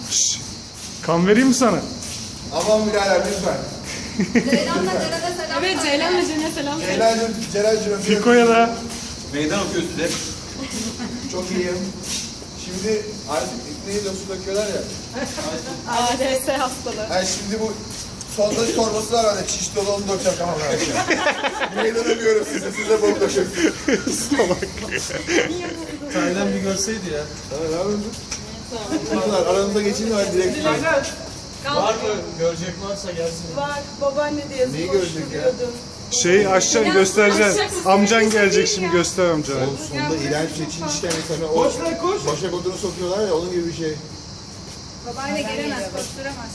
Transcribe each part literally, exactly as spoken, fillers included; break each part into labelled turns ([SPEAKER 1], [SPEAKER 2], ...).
[SPEAKER 1] Şşş. Kan vereyim mi sana?
[SPEAKER 2] Aman birader lütfen.
[SPEAKER 3] Ceylan'la Ceren'e selam.
[SPEAKER 4] Evet, Ceylan'la Ceren'e selam.
[SPEAKER 2] Celal'cim, Celal'cim.
[SPEAKER 1] Fiko'ya da.
[SPEAKER 5] Meydan okuyor size.
[SPEAKER 2] Çok iyiyim. Şimdi artık ikneyi de su döküyorlar ya.
[SPEAKER 4] A D S hastalığı.
[SPEAKER 2] Yani şimdi bu sondaj torbası var hani çiş dolu onu dökeceğim kafamdan. Meydan okuyorum size, size bol döküyorum.
[SPEAKER 5] Taylan bir görseydi ya.
[SPEAKER 2] Evet abi. Bunlar aranıza geçeyim de ben direkt.
[SPEAKER 5] Var mı? Görecek varsa gelsin.
[SPEAKER 4] Var, babaanne de yazıp
[SPEAKER 2] Neyi gördük ya?
[SPEAKER 1] Şey açacaksın göstereceksin. Amcan gelecek şimdi göster amcana.
[SPEAKER 2] Oğlum sonunda iğrenç bir çin işlemi sana o başak odunu sokuyorlar ya onun gibi bir şey.
[SPEAKER 3] Babaanne gelemez, koşturamaz.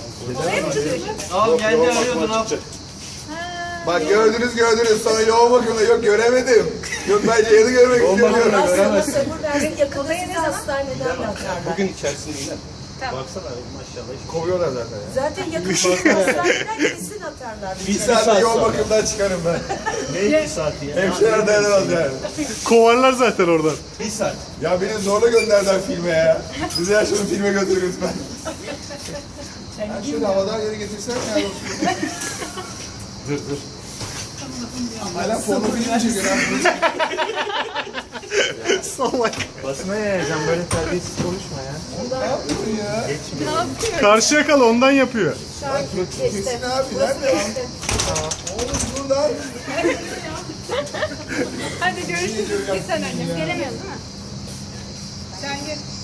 [SPEAKER 5] Al geldi arıyordun al.
[SPEAKER 2] Bak gördünüz gördünüz sonra yoğun bakımda yok göremedim. Yok ben Ceyhan'ı görmek istiyorum.
[SPEAKER 6] Aslında sabır versin yakında sizi hastaneden atarlar.
[SPEAKER 5] Bugün içerisinde yine. Baksana maşallah.
[SPEAKER 2] Kovuyorlar zaten ya.
[SPEAKER 6] Zaten yakında sizi hastaneden kesin atarlar.
[SPEAKER 2] Bir saat yoğun bakımdan çıkarım ben.
[SPEAKER 5] Ne iki saati ya?
[SPEAKER 2] Hemşireler dayanamaz yani.
[SPEAKER 1] Kovarlar zaten oradan.
[SPEAKER 5] Bir saat.
[SPEAKER 2] Ya beni zorla gönderdiler filme ya. Bizi ya şunu filme götür lütfen. Ben şöyle havadan yere getirsem ya.
[SPEAKER 1] Dur dur.
[SPEAKER 2] Hala porno film çekiyor lan.
[SPEAKER 1] Salak.
[SPEAKER 5] Basına yayacağım böyle terbiyesiz konuşma ya.
[SPEAKER 2] Ne yapıyorsun ya?
[SPEAKER 1] Karşıya kal ondan yapıyor.
[SPEAKER 2] Kesin abi nerede? Oğlum dur lan.
[SPEAKER 3] Hadi görüşürüz. Bir sen önce. Gelemiyorsun değil mi? Sen gel.